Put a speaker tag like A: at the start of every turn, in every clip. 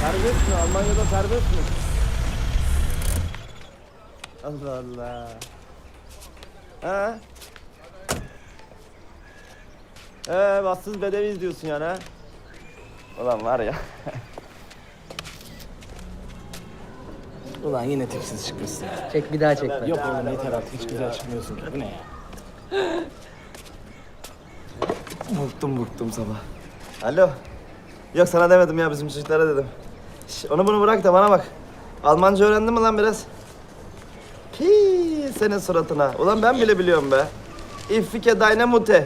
A: Serbest mi? Almanya'da serbest mi? Allah Allah. Ha? Bassız bedeviyiz diyorsun yani ha? Ulan var ya.
B: Ulan yine tipsiz çıkmışsın.
C: Çek bir daha çek.
B: Yok oğlum yeter artık, hiç güzel çıkmıyorsun ki. Bu ne ya?
A: Bıktım sabah. Alo. Yok sana demedim ya, bizim çocuklara dedim. Şş, onu bunu bırak da bana bak. Almanca öğrendin mi lan biraz? Hii, senin suratına. Ulan ben bile biliyorum be. İffike deine Mutter.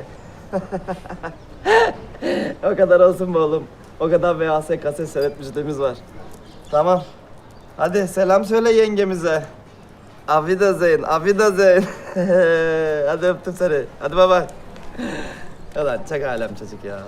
A: O kadar olsun be oğlum. O kadar VHS kaset seyretmişliğimiz var. Tamam. Hadi selam söyle yengemize. Auf Wiedersehen, auf Wiedersehen. Hadi öptüm seni. Hadi baba. Ulan çek alem çocuk ya.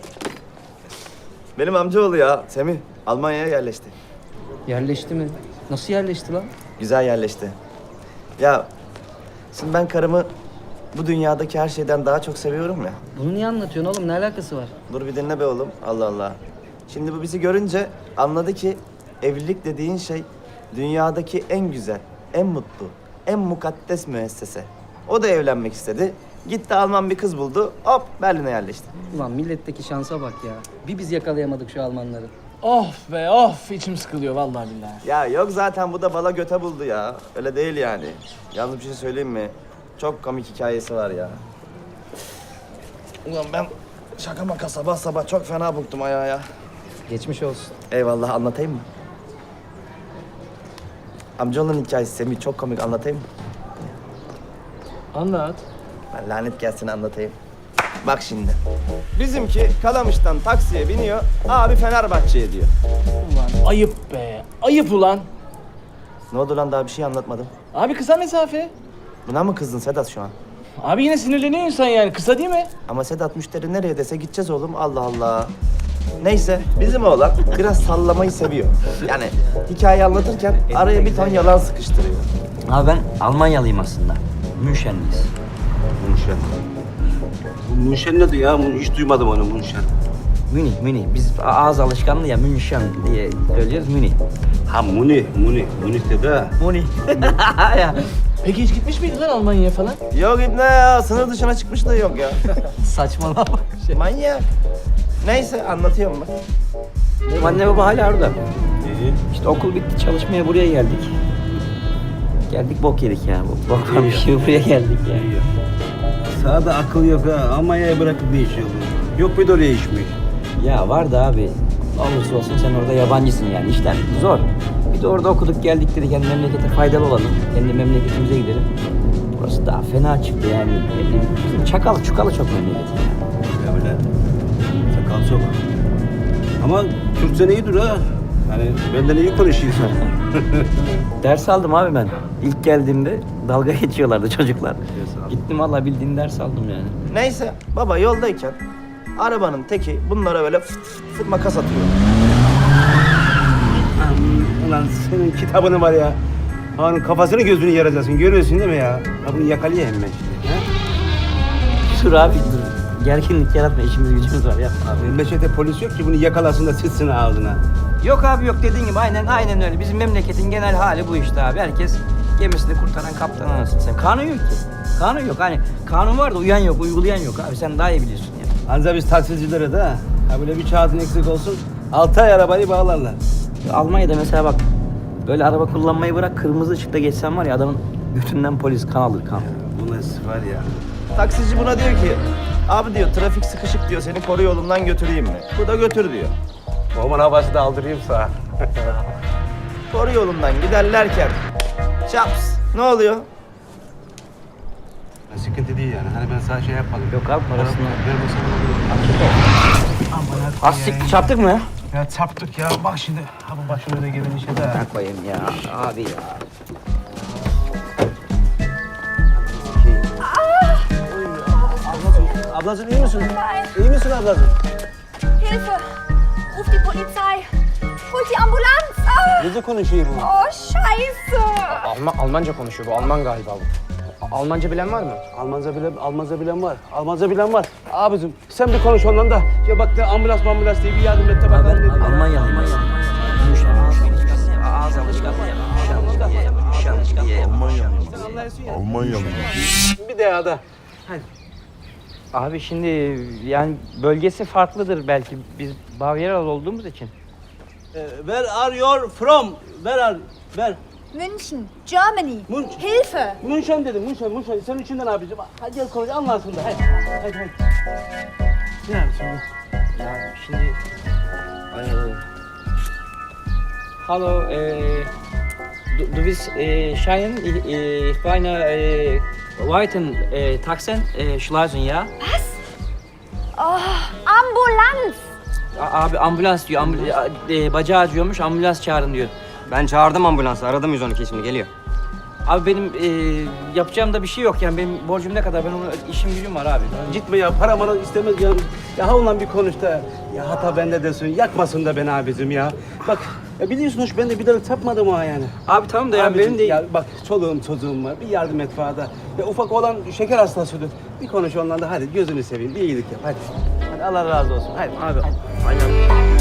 A: Benim amcaoğlu ya Semih Almanya'ya yerleşti.
C: Yerleşti mi? Nasıl yerleşti lan?
A: Güzel yerleşti. Ya şimdi ben karımı bu dünyadaki her şeyden daha çok seviyorum ya.
C: Bunu niye anlatıyorsun oğlum? Ne alakası var?
A: Dur bir dinle be oğlum. Allah Allah. Şimdi bu bizi görünce anladı ki evlilik dediğin şey dünyadaki en güzel, en mutlu, en mukaddes müessese. O da evlenmek istedi. Gitti Alman bir kız buldu. Hop Berlin'e yerleşti.
C: Ulan milletteki şansa bak ya. Bir biz yakalayamadık şu Almanları.
B: Of be of, içim sıkılıyor vallahi billahi.
A: Ya yok zaten bu da bala göte buldu ya. Öyle değil yani. Yalnız bir şey söyleyeyim mi? Çok komik hikayesi var ya. Ulan ben şaka maka sabah sabah çok fena bıktım ayağa ya.
C: Geçmiş olsun.
A: Eyvallah, anlatayım mı? Amcaoğlunun hikayesi Semih, çok komik, anlatayım mı?
B: Anlat.
A: Ben lanet gelsin anlatayım. Bak şimdi. Bizimki Kalamış'tan taksiye biniyor. Abi Fenerbahçe'ye diyor.
B: Ulan ayıp be, ayıp ulan.
A: Ne oldu lan, daha bir şey anlatmadım.
B: Abi kısa mesafe.
A: Buna mı kızdın Sedat şu an?
B: Abi yine sinirleniyor insan yani, kısa değil mi?
A: Ama Sedat müşteri nereye dese gideceğiz oğlum. Allah Allah. Neyse bizim oğlan biraz sallamayı seviyor. Yani hikaye anlatırken araya bir ton yalan sıkıştırıyor.
D: Abi ben Almanyalıyım aslında. Münşenliyiz.
E: Münşen. Bu Münşen nedir ya? Hiç duymadım onu Münşen.
D: Münih. Biz ağız alışkanlığı ya Münşen diye söylüyoruz Münih.
E: Ha Münih dedi ha.
D: Münih. ya.
B: Peki hiç gitmiş miydin lan Almanya'ya falan?
A: Yok İbne ya, sınır dışına çıkmış da yok ya.
D: Saçmalama.
A: Manyak. Neyse anlatıyorum bak.
D: Benim anne baba hala orada. İşte okul bitti, çalışmaya buraya geldik. Geldik bok yedik ya. Boktan bir şey buraya geldik ya.
E: Sağda akıl yok ha. Almanya'ya bırakıp ne iş yolu? Yok bir de oraya iş mi?
D: Ya var da abi. Olursa olsun sen orada yabancısın yani. İşler zor. Bir de orada okuduk geldik dedik. Yani memlekete faydalı olalım. Kendi memleketimize gidelim. Burası daha fena çıktı yani. Bizim çakalı çukalı çok memleketi ya.
E: Öyle. Sakal çok. Ama Türkçen iyi dur ha. Yani benden iyi konuşuyorsun.
D: Ders aldım abi ben. İlk geldiğimde dalga geçiyorlardı çocuklar. Gittim valla bildiğin ders aldım yani.
A: Neyse baba yoldayken arabanın teki bunlara böyle fıt fıt fıt makas atıyor.
E: Ulan senin kitabını var ya. Onun kafasını gözünü yaracaksın. Görüyorsun değil mi ya? Ha bunu yakalayayım ben şimdi. Ha?
D: Dur abi dur. Gerginlik yaratma, işimiz gücümüz var yapma abi.
E: Memlekette polis yok ki bunu yakalasın da sıçsın ağzına.
D: Yok abi yok, dediğin gibi aynen öyle. Bizim memleketin genel hali bu işte abi. Herkes gemisini kurtaran kaptan anasını sen. Kanun yok ki. Kanun yok, hani kanun var da uyan yok, uygulayan yok abi. Sen daha iyi biliyorsun ya.
E: Anca biz taksicilere de ha. Ha böyle bir kağıdın eksik olsun. 6 ay arabayı bağlarlar.
D: Almanya'da mesela bak, böyle araba kullanmayı bırak, kırmızı ışıkta geçsen var ya adamın götünden polis kan alır kan.
E: Bu nasıl var ya?
A: Taksici buna diyor ki abi diyor trafik sıkışık diyor, seni koru yolundan götüreyim mi? Bu da götür diyor.
E: Oğlum havası da aldırayım sana.
A: Koru yolundan giderlerken çaps ne oluyor?
E: Sıkıntı değil yani. Hani ben sana şey yapmadım.
D: Yok abi parasını.
E: Aman
D: Az siktir çarptık mı ya?
E: ya çarptık ya. Bak şimdi. Ha bu başıma da gelen işe de.
D: Ben koyayım ya abi ya.
E: Ablacığım iyi misin? İyi misin ablacığım?
F: Hilfe! Ruf die Polizei! Holt die Ambulanz! Ah!
E: Nece konuşuyor bu?
F: Oh, Scheiße!
G: Almanca konuşuyor bu. Alman galiba bu. Almanca bilen var mı?
E: Almanca bilen var. Almanca bilen var. Abicim sen bir konuş ondan da. Ya bak da ambulans diye bir yardım et de bakalım.
D: Ben Almanyalıyım aslında. Ağız alışkanlığı ya.
H: Almanyalı.
E: Bir daha da.
D: Abi şimdi yani bölgesi farklıdır belki. Biz Bavyeralı olduğumuz için.
E: Where are you from? Where?
F: München, Germany.
E: München.
F: Hilfe!
E: München dedim, München. Senin içinden abicim. Hadi gel konuş, anlarsın da. Hadi. Ne yapıyorsun?
D: Ya şimdi... Hallo, du bist Schein, ich meine Weiten Taxen Schleusen, ja?
F: Ambulanz!
D: Abi ambulans diyor, bacağı acıyormuş, ambulans çağırın diyor.
G: Ben çağırdım ambulansı. Aradım 112 şimdi geliyor.
D: Abi benim yapacağım da bir şey yok yani benim borcum ne kadar, ben ona işim gücüm var abi.
E: Gitme ya, para mara istemez ya. Ya onunla bir konuş da. Ya hata bende desin, yakmasın da beni abicim ya. Bak, biliyorsun hoş ben de bir daha tapmadım ha yani.
D: Abi tamam da ya
E: Abicim,
D: benim de...
E: Ya bak çoluğum çocuğum var, bir yardım et bana. Ya ufak olan şeker hastasıdır. Bir konuş onunla da hadi gözünü seveyim, bir iyilik yap hadi. Hadi Allah razı olsun, hadi.
D: Abi, aynen.